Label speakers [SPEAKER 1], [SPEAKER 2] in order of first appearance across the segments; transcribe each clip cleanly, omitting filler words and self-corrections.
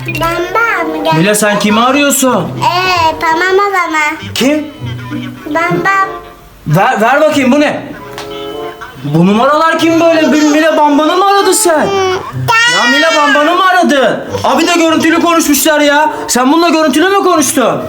[SPEAKER 1] Bamba gel.
[SPEAKER 2] Mila sen kimi arıyorsun?
[SPEAKER 1] Tamam o zaman.
[SPEAKER 2] Kim?
[SPEAKER 1] Bamba.
[SPEAKER 2] Ver bakayım, bu ne? Bu numaralar kim böyle? Mila Bamba'nı mı aradın sen? Ya Mila Bamba'nı mı aradın? Abi de görüntülü konuşmuşlar ya. Sen bununla görüntülü mü konuştun?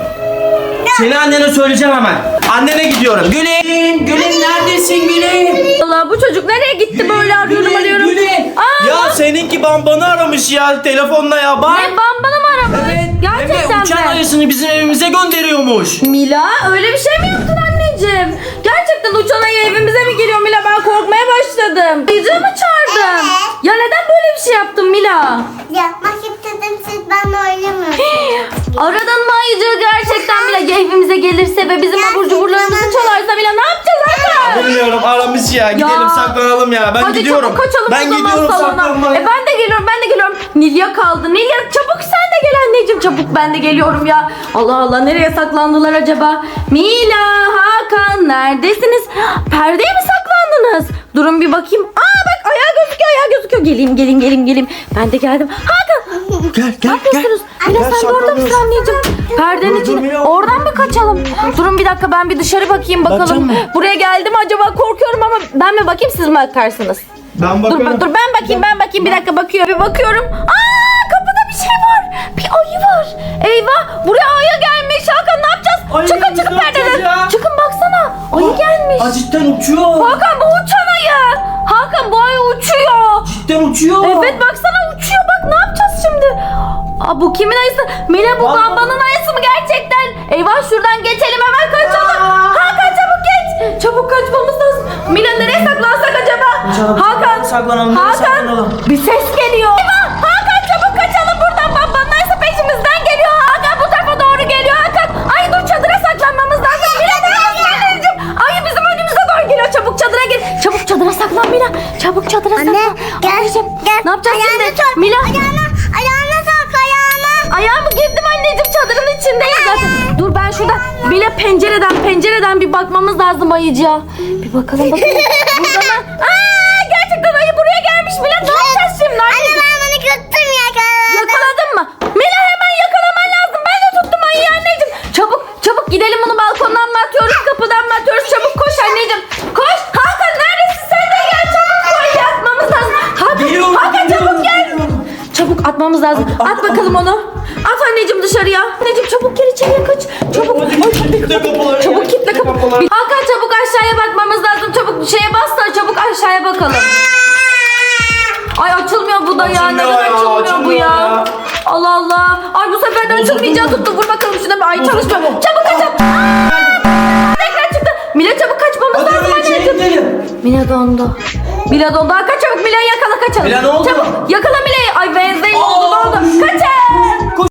[SPEAKER 2] Seni annene söyleyeceğim hemen. Annene gidiyorum. Gülün, Gülün neredesin Gülün?
[SPEAKER 3] Allah, bu çocuk nereye gitti böyle arıyorum.
[SPEAKER 2] Gülün.
[SPEAKER 3] Aa,
[SPEAKER 2] Ya seninki Bamba'nı aramış ya telefonla ya bak.
[SPEAKER 3] ne, Bamba'nı mı aramış? Gerçekten
[SPEAKER 2] Hem de uçan
[SPEAKER 3] mi?
[SPEAKER 2] ayısını bizim evimize gönderiyormuş.
[SPEAKER 3] Mila öyle bir şey mi yaptın anneciğim? Gerçekten uçan ayı evimize mi geliyor Mila? Ben korkmaya başladım. Ayıcığı mı çağırdın? Ya neden böyle bir şey yaptın Mila?
[SPEAKER 1] Yapmak istedim, siz benimle oynamıyorsunuz.
[SPEAKER 3] Aradın mı ayıcığı gerçekten Mila? Ya evimize gelirse ve bizim abur cuburlarımızı çalarsa Mila ne yapacağız Hakan?
[SPEAKER 2] Bilmiyorum, aramış ya. Gidelim saklanalım ya. Ben
[SPEAKER 3] Hadi
[SPEAKER 2] gidiyorum.
[SPEAKER 3] çabuk kaçalım
[SPEAKER 2] Ben
[SPEAKER 3] o zaman
[SPEAKER 2] gidiyorum
[SPEAKER 3] salona.
[SPEAKER 2] saklanmaya.
[SPEAKER 3] Ben de geliyorum. Nilya kaldı. Nilya çabuk sen de gel anneciğim. Çabuk ben de geliyorum ya. Allah Allah, nereye saklandılar acaba? Mila, Hakan neredesiniz? Perdeye mi saklandınız? Durun bir bakayım. Aa bak, ayağı gözüküyor. Geleyim. Ben de geldim. Hakan.
[SPEAKER 2] Gel.
[SPEAKER 3] Ne yapıyorsunuz? Mila sen de orada mısın anneciğim? Perdenin
[SPEAKER 2] Dur,
[SPEAKER 3] içine.
[SPEAKER 2] Mila.
[SPEAKER 3] Oradan mı kaçalım? Durun bir dakika, ben bir dışarı bakayım
[SPEAKER 2] Bakacak
[SPEAKER 3] bakalım.
[SPEAKER 2] mısın?
[SPEAKER 3] Buraya geldim acaba, korkuyorum ama ben mi bakayım, siz mi bakarsınız?
[SPEAKER 2] Ben
[SPEAKER 3] Dur
[SPEAKER 2] bakarım.
[SPEAKER 3] ben bakayım bir dakika, bakıyorum. Aa, kapıda bir şey var. Bir ayı var. Eyvah, buraya ayı gelmiş. Hakan ne yapacağız?
[SPEAKER 2] Ayı
[SPEAKER 3] Çıkın
[SPEAKER 2] gelmiş, ne
[SPEAKER 3] perdeden.
[SPEAKER 2] yapacağız ya?
[SPEAKER 3] Çıkın baksana. Ayı gelmiş.
[SPEAKER 2] Cidden uçuyor.
[SPEAKER 3] Hakan bu uçan ayı. Hakan bu ayı uçuyor.
[SPEAKER 2] Cidden uçuyor.
[SPEAKER 3] Evet baksana uçuyor, bak ne yapacağız şimdi? Aa, bu kimin ayısı? Mila bu
[SPEAKER 2] Bak.
[SPEAKER 3] Bamba'nın ayısı mı gerçekten? Eyvah, şuradan geçelim, hemen kaçalım. Hakan çabuk geç. Çabuk kaçmamız lazım. Mila nereye saklansak acaba? Hakan.
[SPEAKER 2] Saklanalım, nereye saklanalım?
[SPEAKER 3] Bir ses geliyor. Eyvah, Hakan çabuk kaçalım buradan. Bamba'nın ayısı peşimizden geliyor. Hakan bu tarafa doğru geliyor. Hakan. Ay dur, çadıra saklanmamız lazım. Mila neredesin anneciğim? Ayı bizim önümüze doğru geliyor. Çabuk çadıra gir. Çabuk çadıra saklan Mila. Çabuk çadıra saklan.
[SPEAKER 1] Anne gel.
[SPEAKER 3] Anneciğim,
[SPEAKER 1] Gel.
[SPEAKER 3] ne yapacağız
[SPEAKER 1] Ayağını
[SPEAKER 3] şimdi?
[SPEAKER 1] sok.
[SPEAKER 3] Mila.
[SPEAKER 1] Ayağını sok ayağını.
[SPEAKER 3] Ayağımı girdim anneciğim, çadırın içindeyim zaten. Dur ben şurada Mila pencereden bir bakmamız lazım ayıcıya. Bir bakalım. Burada mı? Aa, gerçekten ayı buraya gelmiş Mila. Ne yapacağız şimdi?
[SPEAKER 1] Anne ben bunu tuttum yakaladım.
[SPEAKER 3] Yakaladın mı? Mila hemen yakalaman lazım. Ben de tuttum ayıyı anneciğim. Çabuk gidelim, bunu balkondan mı atıyoruz, kapıdan mı atıyoruz? Çabuk koş anneciğim. Koş. Hakan neredesin? Sen de gel çabuk, koş atmamız lazım.
[SPEAKER 2] Geliyorum,
[SPEAKER 3] Hakan çabuk gel.
[SPEAKER 2] geliyorum.
[SPEAKER 3] Çabuk atmamız lazım. At bakalım onu. At anneciğim dışarıya. Anneciğim çabuk gel, içeriye kaç. Çabuk. Ay,
[SPEAKER 2] Kitle kapıları.
[SPEAKER 3] çabuk kitle kapı. Hakan çabuk aşağıya bakmamız lazım. Çabuk şeye bas da çabuk aşağıya bakalım. Ay açılmıyor bu da ya.
[SPEAKER 2] Açılmıyor
[SPEAKER 3] Neden
[SPEAKER 2] ya,
[SPEAKER 3] açılmıyor bu
[SPEAKER 2] açılmıyor
[SPEAKER 3] ya?
[SPEAKER 2] ya.
[SPEAKER 3] Allah Allah. Ay bu sefer de açılmayacağı tuttu. Vur bakalım şuna bir. Ay çalışmıyor. Çabuk kaçalım. Tekrar çıktı. Mila çabuk kaçmamız lazım anneciğim. Mila dondu. Hakan çabuk Mila'yı yakala, kaçalım.
[SPEAKER 2] Mila ne oldu?
[SPEAKER 3] Çabuk yakala